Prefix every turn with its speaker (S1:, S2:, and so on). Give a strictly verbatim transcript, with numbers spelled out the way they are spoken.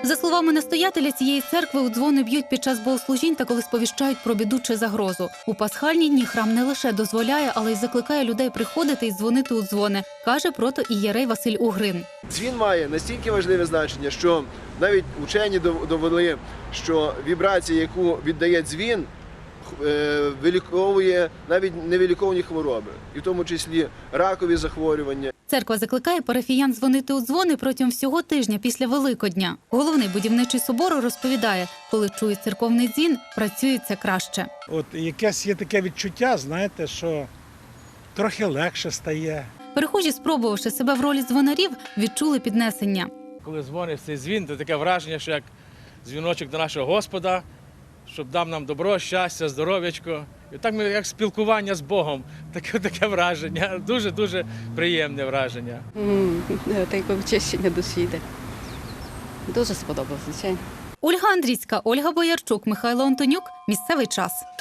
S1: За словами настоятеля цієї церкви, у дзвони б'ють під час богослужінь та коли сповіщають про біду чи загрозу. У пасхальні дні храм не лише дозволяє, але й закликає людей приходити і дзвонити у дзвони, каже протоієрей Василь Угрин.
S2: Дзвін має настільки важливе значення, що навіть учені довели, що вібрація, яку віддає дзвін, виліковує навіть невиліковані хвороби, і в тому числі ракові захворювання.
S1: Церква закликає парафіян дзвонити у дзвони протягом всього тижня після Великодня. Головний будівничий собору розповідає, коли чує церковний дзвін, працюється краще.
S3: От якесь є таке відчуття, знаєте, що трохи легше стає.
S1: Перехожі, спробувавши себе в ролі дзвонарів, відчули піднесення.
S4: Коли дзвонить цей дзвін, то таке враження, що як дзвіночок до нашого Господа, щоб дав нам добро, щастя, здоров'ячко. І так ми, як спілкування з Богом, таке, таке враження, дуже-дуже приємне враження.
S5: Mm, таке очищення душі йде. Дуже сподобалося, звичайно.
S1: Ольга Андрійська, Ольга Боярчук, Михайло Антонюк. Місцевий час.